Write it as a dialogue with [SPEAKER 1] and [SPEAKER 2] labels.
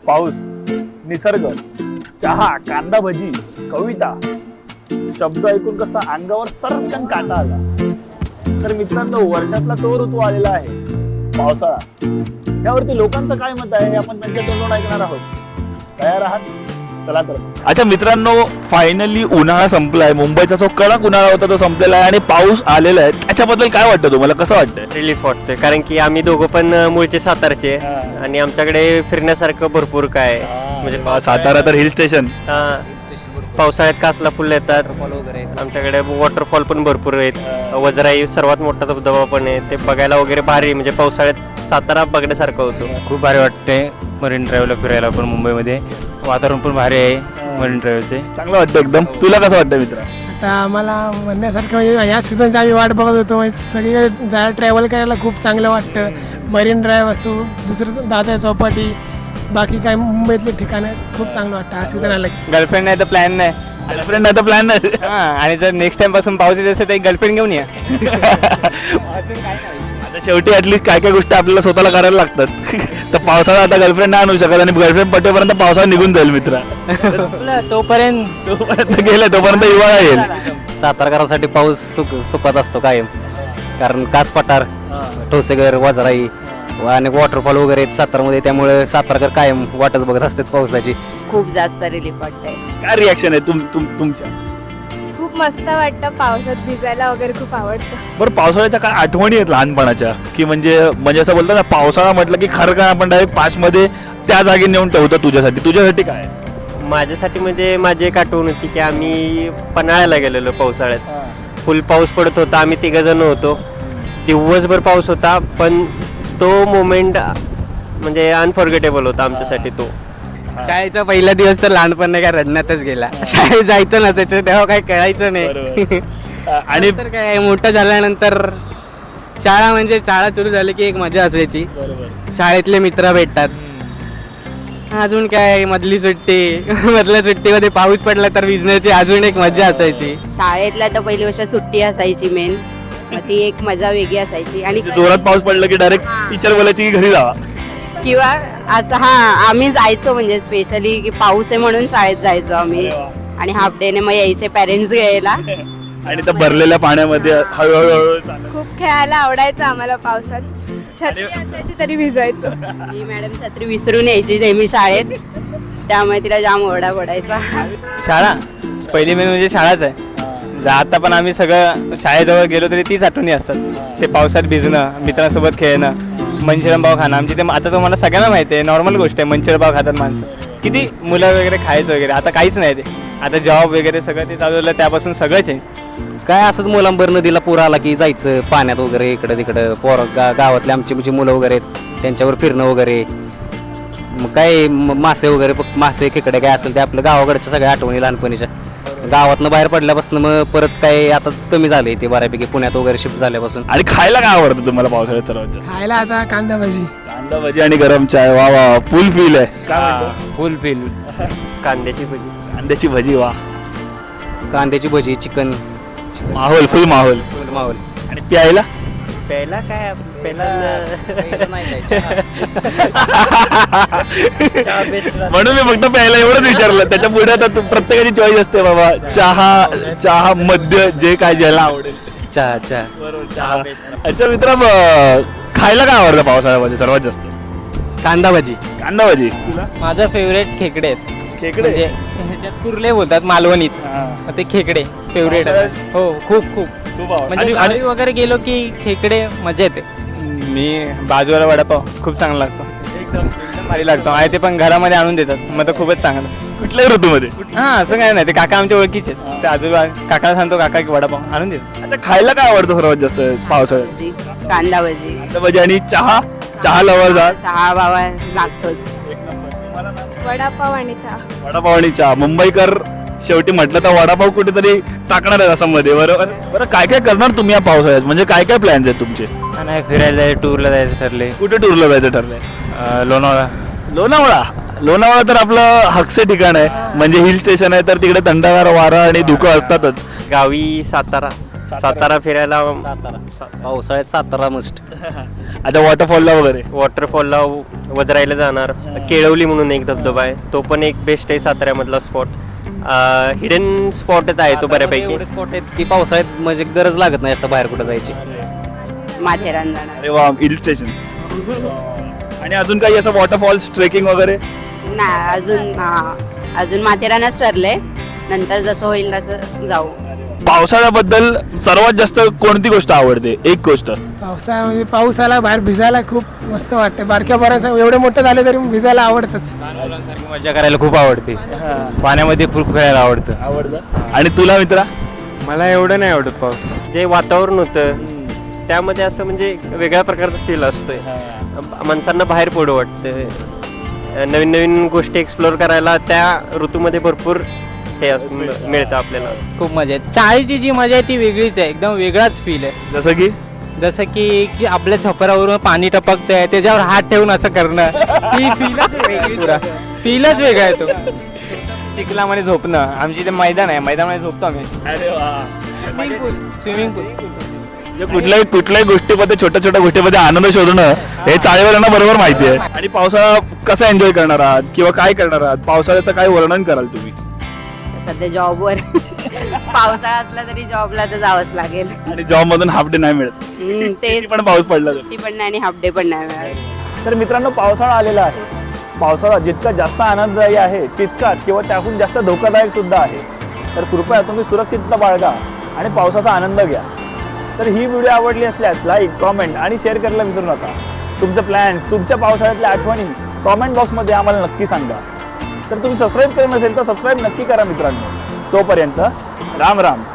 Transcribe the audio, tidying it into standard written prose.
[SPEAKER 1] पाऊस, निसर्ग, चहा, कांदा भजी, कविता, शब्द ऐकून कसा अंगावर सरकन काटा आला. तर मित्रांनो, वर्षातला तो ऋतू आलेला आहे, पावसाळा. यावरती लोकांचं काय मत आहे हे आपण त्यांच्या तोंडून ऐकणार आहोत. तयार आहात? चला तर. अच्छा मित्रांनो, फायनली उन्हाळा संपलाय. मुंबईचा जो कडक उन्हाळा होता तो संपलेला आहे आणि पाऊस आलेला आहे. त्याच्याबद्दल काय वाटतं तुम्हाला, कसं वाटतंय?
[SPEAKER 2] रिलीफ वाटतोय, कारण की आम्ही दोघं पण मूळचे सातारचे आणि आमच्याकडे फिरण्यासारखं भरपूर काय म्हणजे
[SPEAKER 1] सातारा तर हिल स्टेशन.
[SPEAKER 2] पावसाळ्यात कासला फुल येतात, आमच्याकडे वॉटरफॉल पण भरपूर आहेत. वजराई सर्वात मोठा धबधबा पण आहे, ते बघायला वगैरे भारी. म्हणजे पावसाळ्यात सातारा बघण्यासारखं होतं.
[SPEAKER 3] खूप भारी वाटते मरीन ड्राईव्हला फिरायला पण. मुंबईमध्ये वातावरण पण भारी आहे मरीन ड्राईव्हचे.
[SPEAKER 1] चांगलं वाटतं एकदम. तुला कसं वाटतं मित्र?
[SPEAKER 4] आता आम्हाला म्हणण्यासारखं म्हणजे या सीझनची आम्ही वाट बघत होतो. म्हणजे सगळीकडे जायला ट्रॅव्हल करायला खूप चांगलं वाटतं. मरीन ड्राईव्ह असो, दुसरं दादा चौपाटी, बाकी काय मुंबईतले ठिकाणं खूप चांगलं वाटतं हा सीझन आला की.
[SPEAKER 3] गर्लफ्रेंड नाही तर प्लॅन नाही.
[SPEAKER 1] गर्लफ्रेंड नाही तर प्लॅन नाही.
[SPEAKER 3] आणि जर नेक्स्ट टाइम पासून पाऊस येत असेल तर एक गर्लफ्रेंड घेऊन या.
[SPEAKER 1] आता शेवटी ऍटलीस्ट काय काय गोष्टी आपल्याला स्वतःला करायला लागतात. तर पावसाळा आता गर्लफ्रेंड नाही आणू शकत आणि गर्लफ्रेंड पटेपर्यंत पावसाळा निघून जाईल मित्र.
[SPEAKER 3] तोपर्यंत
[SPEAKER 1] गेलं तोपर्यंत हिवाळा येईल.
[SPEAKER 2] सातारकरांसाठी पाऊस सुखात असतो कायम, कारण कास पठार, ठोसेघर, वजराई आणि वॉटरफॉल वगैरे आहेत सातारमध्ये. त्यामुळे सातारकर कायम वाटच बघत असतात पावसाची.
[SPEAKER 5] खूप जास्त रिलीफ वाटतंय.
[SPEAKER 1] काय रिॲक्शन आहे तुमच्या?
[SPEAKER 6] खूप मस्त वाटतं, पावसात भिजायला वगैरे खूप आवडतं.
[SPEAKER 1] बरं, पावसाळ्याच्या काय आठवणी आहेत लहानपणाच्या, की म्हणजे असं बोलतात ना, पावसाळा म्हटलं की खरं काय आपण डायरेक्ट पाचमध्ये त्या जागी नेऊन ठेवतो. तुझ्यासाठी काय?
[SPEAKER 2] माझ्यासाठी म्हणजे माझी एक आठवण होती की आम्ही पन्हाळ्याला गेलेलो पावसाळ्यात. फुल पाऊस पडत होता, आम्ही 3 जण होतो. दिवसभर पाऊस होता, पण तो मोमेंट म्हणजे अनफॉर्गेटेबल होता आमच्यासाठी तो.
[SPEAKER 3] शाळेचा पहिला दिवस तर लहानपण नाही काय रडण्यातच गेला. शाळेत जायचं नसायचं तेव्हा काही कळायचं नाही.
[SPEAKER 1] आणि
[SPEAKER 3] तर काय मोठं झाल्यानंतर शाळा म्हणजे शाळा सुरू झाली की एक मजा असायची. शाळेतले मित्र भेटतात. अजून काय मधली सुट्टी मधल्या सुट्टीमध्ये पाऊस पडला तर भिजण्याची अजून एक मजा असायची.
[SPEAKER 5] शाळेतला तर पहिली वर्ष सुट्टी असायची मेन, मग ती एक मजा वेगळी असायची. आणि
[SPEAKER 1] जोरात पाऊस पडला की डायरेक्ट टीचर बोलायची की घरी जावा.
[SPEAKER 5] किंवा असं आम्ही जायचो म्हणजे स्पेशली की पाऊस आहे म्हणून शाळेत जायचो आम्ही. आणि हाफ डे ने मग यायचे पेरेंट्स घ्यायला.
[SPEAKER 1] आणि त्या भरलेल्या पाण्यामध्ये हळूहळू चालत.
[SPEAKER 6] खूप खेळायला आवडायचं आम्हाला पावसात. छत्री असायची तरी भिजायचो.
[SPEAKER 5] ही मॅडम छत्री विसरून यायची नेहमी शाळेत, त्यामुळे तिला जाम ओरडा पडायचा.
[SPEAKER 3] शाळा पहिली मेन म्हणजे शाळाच आहे. आता पण आम्ही सगळं शाळेजवळ गेलो तरी तीच आठवणी असतात. ते पावसात भिजणं, मित्रांसोबत खेळणं, मंचुरियन पाव खाणं. आमची ते आता तुम्हाला सगळ्यांना माहिती आहे, नॉर्मल गोष्ट आहे. मंचुरियन पाव खातात माणसं. किती मुलं वगैरे खायचं वगैरे. आता काहीच नाही ते. आता जॉब वगैरे सगळं ते चालू झालं, त्यापासून सगळंच आहे.
[SPEAKER 2] काय असंच मुलांबर नदीला पूर आला की जायचं पाण्यात वगैरे, इकडं तिकडं. गावातले आमची जी मुलं वगैरे आहेत त्यांच्यावर फिरणं वगैरे. मग काय मासे वगैरे, मासे खेकडे काय असेल ते आपलं गावाकडच्या सगळ्या आठवणी लहानपणीच्या. गावातनं बाहेर पडल्यापासून मग परत काय आता कमी झाले ते बऱ्यापैकी पुण्यात वगैरे शिफ्ट झाल्यापासून.
[SPEAKER 1] आणि खायला काय आवडतं तुम्हाला पावसाळ्यात सर्वात जास्त?
[SPEAKER 4] खायला आता कांदा भजी.
[SPEAKER 1] कांदा भजी आणि गरम चाय. वा वा, फुल फील आहे.
[SPEAKER 3] Full feel.
[SPEAKER 2] कांद्याची भजी.
[SPEAKER 1] कांद्याची भजी, वा.
[SPEAKER 2] कांद्याची भजी, चिकन,
[SPEAKER 1] माहोल, फुल माहोल.
[SPEAKER 2] माहोल.
[SPEAKER 1] आणि प्यायला
[SPEAKER 2] प्यायला काय
[SPEAKER 1] म्हणून मी फक्त प्यायला एवढंच विचारलं. त्याच्या पुढे आता प्रत्येकाची चॉईस असते बाबा. चहा, मद्य, जे काय ज्याला आवडेल.
[SPEAKER 2] चहा.
[SPEAKER 1] चहा. अच्छा मित्रा, खायला काय आवडतं पावसाळ्यामध्ये सर्वात जास्त?
[SPEAKER 3] कांदा भजी.
[SPEAKER 1] कांदा भजी. तुला?
[SPEAKER 3] माझं फेवरेट खेकडे आहेत.
[SPEAKER 1] खेकडे?
[SPEAKER 3] म्हणजे ह्याच्यात कुर्ले बोलतात मालवणीत. ते खेकडे फेवरेट. हो, खूप खूप. म्हणजे गावी वगैरे गेलो की खेकडे मजा येते. मी बाजूला वडापाव खूप चांगला लागतो. एकदम भारी लागतो. आणि ते पण घरामध्ये आणून देतात, मग तर खूपच चांगलं.
[SPEAKER 1] कुठल्याही ऋतूमध्ये?
[SPEAKER 3] हां, असं काय नाही. ते काका आमच्या ओळखीचे आहेत. ते आजोबा काकाला सांगतो, काका की वडापाव आणून देतात.
[SPEAKER 1] अच्छा, खायला काय आवडतं सर्वात जास्त पावसाळ्यात?
[SPEAKER 5] भजी, कांदा भजी.
[SPEAKER 1] कांदा भजी आणि चहा लवर जा.
[SPEAKER 5] चहा बाबा लागतोच.
[SPEAKER 6] वडापाव आणि चहा.
[SPEAKER 1] वडापाव आणि चहा. मुंबईकर शेवटी म्हटलं तर वडापाव कुठेतरी टाकणार आहे रसामध्ये. बरोबर. बरं, काय काय करणार तुम्ही या पावसाळ्यात? म्हणजे काय काय प्लॅन्स आहेत तुमचे?
[SPEAKER 3] नाही, फिरायला टूरला जायचं ठरले.
[SPEAKER 1] कुठे टूरला जायचं ठरलंय?
[SPEAKER 3] लोणावळा.
[SPEAKER 1] लोणावळा तर आपलं हक्से ठिकाण आहे, म्हणजे हिल स्टेशन आहे. तर तिकडे थंडगार वारा आणि धुकं असतातच.
[SPEAKER 2] गावी सातारा
[SPEAKER 7] सातारा फिरायला
[SPEAKER 2] पावसाळ्यात सातारा मस्ट.
[SPEAKER 1] आता वॉटरफॉलला वगैरे
[SPEAKER 7] वॉटरफॉलला वजरायला जाणार. केळवली म्हणून एक धबधबा आहे, तो पण एक बेस्ट आहे साताऱ्यामधला स्पॉट. हिडन स्पॉटच आहे तो बऱ्यापैकी.
[SPEAKER 2] एवढे स्पॉट आहेत की पावसाळ्यात म्हणजे गरज लागत नाही असं बाहेर कुठं जायची.
[SPEAKER 5] माथेरान जाणार.
[SPEAKER 1] अरे वा, हिल स्टेशन. आणि अजून काही असं वॉटरफॉल्स ट्रेकिंग वगैरे?
[SPEAKER 5] नाही अजून माथेरानच ठरलंय, नंतर जसं होईल तसं जाऊ.
[SPEAKER 1] पावसाळ्याबद्दल सर्वात जास्त कोणती गोष्ट आवडते? एक गोष्ट.
[SPEAKER 4] पावसाळ्यामध्ये पाऊस आला बाहेर भिजायला खूप मस्त वाटतं. बारक्या बऱ्याच एवढे मोठे झाले तरी भिजायला आवडतंच.
[SPEAKER 3] मजा करायला खूप आवडते, पाण्यामध्ये खूप खेळायला
[SPEAKER 1] आवडतं. आणि तुला मित्रा?
[SPEAKER 3] मला एवढं नाही आवडत पाऊस.
[SPEAKER 7] जे वातावरण होतं त्यामध्ये असं म्हणजे वेगळ्या प्रकारचा फील असतोय. माणसांना बाहेर पडू वाटतं, नवीन नवीन गोष्टी एक्सप्लोअर करायला त्या ऋतूमध्ये भरपूर हे मिळतं आपल्याला.
[SPEAKER 3] खूप मजा आहे. चाळीची जी मजा आहे ती वेगळीच आहे, एकदम वेगळाच फील आहे.
[SPEAKER 1] जसं की
[SPEAKER 3] की आपल्या छपरावरून पाणी टपकतंय, त्याच्यावर हात ठेवून असं करणं, ती फीलच वेगळी. पुरा फीलच वेगळा आहे तो. चिखलामध्ये झोपणं. आमची ते मैदान आहे, मैदानामध्ये झोपतो आम्ही. Swimming pool.
[SPEAKER 1] कुठल्याही गोष्टीमध्ये, छोट्या छोट्या गोष्टीमध्ये आनंद शोधणं हे चाळीवाल्यांना बरोबर माहिती आहे. आणि पावसाळा कसा एन्जॉय करणार आहात किंवा काय करणार आहात? पावसाळ्याचं काय वर्णन कराल तुम्ही?
[SPEAKER 5] सध्या जॉबवर पावसाळा असला तरी जॉबला तर जावंच लागेल.
[SPEAKER 1] आणि जॉब मधून हाफ डे नाही मिळत,
[SPEAKER 5] तेच
[SPEAKER 1] पण पाऊस पडला तर.
[SPEAKER 5] सुट्टी पण नाही आणि हाफ डे पण नाही मिळाली.
[SPEAKER 1] तर मित्रांनो, पावसाळा आलेला आहे. पावसाळा जितका जास्त आनंददायी आहे तितकाच किंवा त्याहून जास्त धोकादायक सुद्धा आहे. तर कृपया तुम्ही सुरक्षितता बाळगा आणि पावसाचा आनंद घ्या. तर ही व्हिडिओ आवडली असल्यास लाईक, कॉमेंट आणि शेअर करायला विसरू नका. तुमचे प्लॅन्स, तुमच्या पावसाळ्यातल्या आठवणी कॉमेंट बॉक्समध्ये आम्हाला नक्की सांगा. तर तुम्ही सबस्क्राईब केलं नसेल तर सबस्क्राईब नक्की करा मित्रांनो. तोपर्यंत राम राम.